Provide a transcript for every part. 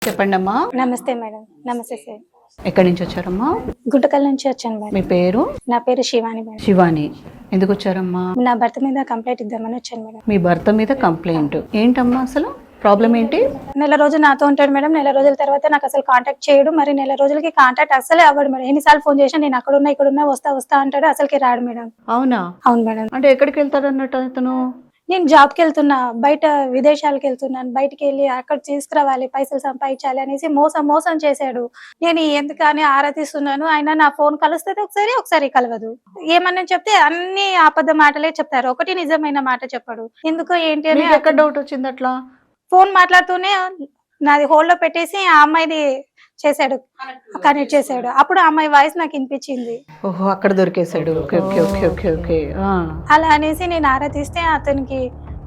చెప్పండి అమ్మా. నమస్తే మేడం. నమస్తే సార్. ఎక్కడి నుంచి వచ్చారమ్మా? గుంటకల్ నుంచి వచ్చాను మేడం. మీ పేరు? నా పేరు శివాని మేడం. శివాని. ఎందుకు వచ్చారమ్మా? నా భర్త మీద కంప్లైంట్ ఇద్దామని వచ్చాను మేడం. మీ భర్త మీద కంప్లైంట్ ఏంటమ్మా? అసలు ప్రాబ్లం ఏంటి? నెల రోజులు నాతో ఉంటాడు మేడం. నెల రోజుల తర్వాత నాకు అసలు కాంటాక్ట్ చేయడు. మరి నెల రోజులకి కాంటాక్ట్ అసలే అవ్వడు మేడం. ఎన్నిసార్లు ఫోన్ చేసినా నేను అక్కడ ఉన్నా ఇక్కడ ఉన్నా వస్తా అంటాడు. అసలుకి రాడు మేడం. అవునా? అవును మేడం. అంటే ఎక్కడికి వెళ్తాడు అన్నట్టు అతను? నేను జాబ్కి వెళ్తున్నా, బయట విదేశాలకు వెళ్తున్నాను, బయటికి వెళ్ళి అక్కడ తీసుకురావాలి, పైసలు సంపాదించాలి అనేసి మోసం చేశాడు. నేను ఎందుకని ఆరాధిస్తున్నాను. ఆయన నా ఫోన్ కలుస్తుంది ఒకసారి కలవదు. ఏమన్నా చెప్తే అన్ని అబద్ధ మాటలే చెప్తారు, ఒకటి నిజమైన మాట చెప్పాడు. ఎందుకో ఏంటి అని ఎక్కడ డౌట్ వచ్చింది అట్లా? ఫోన్ మాట్లాడుతూనే నాది హోల్డ్ లో పెట్టేసి ఆ అమ్మాయిది చేశాడు, కనెక్ట్ చేశాడు. అప్పుడు ఆ అమ్మాయి వాయిస్ నాకు వినిపించింది. ఓహో, అక్కడ దొరికేశాడు. Okay okay okay okay okay. అలా అనేసి నేను ఆరాధిస్తే అతనికి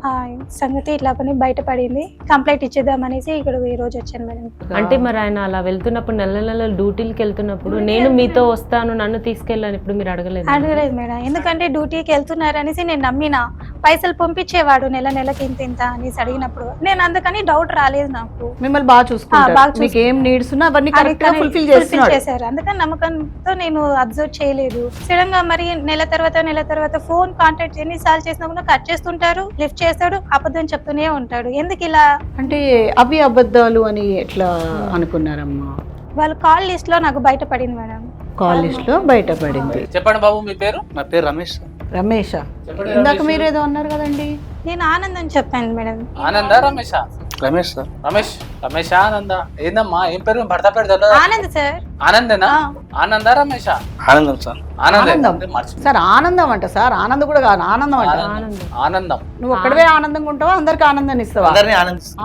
సంగతి ఇట్లా పని బయటపడింది. కంప్లైంట్ ఇచ్చేద్దాం అనేసి ఇక్కడ ఈ రోజు వచ్చాను మేడం. అంటే మరి ఆయన అలా వెళ్తున్నప్పుడు నెల డ్యూటీలకి వెళ్తున్నప్పుడు నేను మీతో వస్తాను నన్ను తీసుకెళ్ళాను ఇప్పుడు మీరు అడగలేదు? అడగలేదు మేడం. ఎందుకంటే డ్యూటీకి వెళ్తున్నారు అనేసి నేను నమ్మిన. పైసలు పంపించేవాడు నెలకి ఇంత అనేసి అడిగినప్పుడు నేను అందుకని డౌట్ రాలేదు నాకు. మిమ్మల్ని బాగా చూసుకుంటారు, మీకు ఏం నీడ్స్ ఉన్నా అవన్నీ కరెక్ట్ గా ఫుల్ఫిల్ చేశారు. అందుకని నమ్మకంతో నేను అబ్జర్వ్ చేయలేదు. సడన్ గా మరి నెల తర్వాత ఫోన్ కాంటాక్ట్ ఎన్నిసార్లు చేసినా కూడా కట్ చేస్తుంటారు, లిఫ్ట్ చేస్తాడు, అబద్ధం చెప్తూనే ఉంటాడు. ఎందుకు ఇలా? అంటే అవి అబద్ధాలు అని ఎట్లా అనుకున్నారమ్మా? వాళ్ళ కాల్ లిస్ట్ లో నాకు బయటపడింది మేడం. కాల్ లిస్ట్ లో బయటపడింది. చెప్పండి బాబు, మీ పేరు? నా పేరు రమేష్. రమేషా? ఇందాక మీరు ఏదో అన్నారు కదండి. నేను ఆనందం చెప్పాను మేడం. ఆనందా రమేషా? రమేష్ సార్. రమేష్ ఆనందా? ఏందమ్మా ఏం పేరు? మీ భర్త పేరు తెలియదా? ఆనంద్ సార్. ఆనందేనా? ఆనందా రమేషా? ఆనందం సార్. ఆనందం సార్. ఆనందం అంట సార్. ఆనందం కూడా కాదు, ఆనందం అంట. ఆనందం. నువ్వు ఒక్కడవే ఆనందంగా ఉంటావా? అందరికి ఆనందాన్ని ఇస్తావా? అందరినీ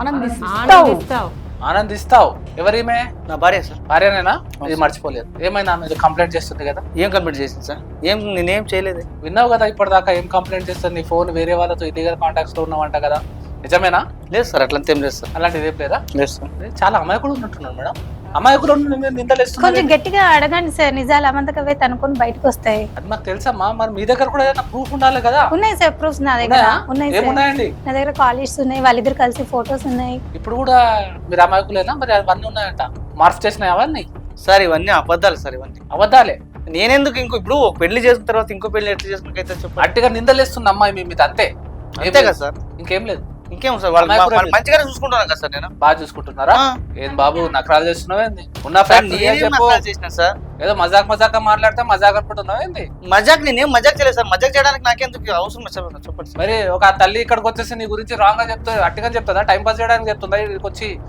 ఆనందిస్తావు. ఆనందిస్తావు. ఎవరిమే? నా భార్య సార్. భార్యనేనా? ఇది మర్చిపోలేదు. ఏమైనా మీరు కంప్లైంట్ చేస్తుంది కదా? ఏం కంప్లీట్ చేసింది సార్? నేనేం చేయలేదు. విన్నావు కదా ఇప్పటిదాకా ఏం కంప్లైంట్ చేస్తుంది? నీ ఫోన్ వేరే వాళ్ళతో ఇల్లీగల్ కాంటాక్ట్స్ లో ఉన్నావంట కదా, నిజమేనా? లేదు సార్, అట్లంతా ఏం లేదు సార్. అలాంటిది ఏం లేదా? లేదు సార్. చాలా అమాయకుడు ఉన్నట్టున్నాడు మేడం. అమాయకుడు నిందలేస్తుంది. కొంచెం గట్టిగా అడగండి సార్. నిజాలు అమంతకవే తనుకొని బయటకు వస్తాయి. అది మాకు తెలుసమ్మా. మరి మీ దగ్గర కూడా ఏదైనా ప్రూఫ్ ఉండాలి కదా? ఉన్నాయి సార్ ప్రూఫ్స్ నా దగ్గర. ఉన్నాయి సార్. ఏమున్నాయండి? నా దగ్గర కాలేజ్ ఉన్నాయి, వాళ్ళిద్దరు కలిసి ఫొటోస్ ఉన్నాయి. ఇప్పుడు కూడా మీరు అమాయకులేనా? మరి అవన్నీ ఉన్నాయంట, మార్ఫ్ చేసినాయి అవన్నీ? సార్ ఇవన్నీ అబద్ధాలు సార్. ఇవన్నీ అబద్ధాలే. నేనెందుకు ఇప్పుడు ఒక పెళ్లి చేసుకున్న తర్వాత ఇంకో పెళ్లి ఎట్లా చేసుకున్నకైతే చెప్పండి. అట్టిగా నిందలేస్తుంది అమ్మాయి మీ మీద, అంతే. అంతే కదా సార్. ఇంకేం లేదు. ఇంకేం సార్, వాళ్ళు మంచిగానే చూసుకుంటున్నాను కదా సార్. నేను బాగా చూసుకుంటున్నారా? ఏం బాబు నకరాలు చేస్తున్నావు ఏంది? ఉన్న ఫ్యాక్ట్ చేసిన సార్. ఏదో మజాక్ మాట్లాడితే మజాక్ అనుకుంటున్నావు ఏంది? మజాక్ నేనేం మజాక్ చేయలేదు సార్. మజాక్ చేయడానికి నాకెందుకు అవసరం చెప్పండి. మరి ఒక తల్లి ఇక్కడికి వచ్చేసి నీ గురించి రాంగ్ గా చెప్తా, అట్టిగా చెప్తుందా? టైం పాస్ చేయడానికి చెప్తుందా ఇక్కడికి వచ్చి?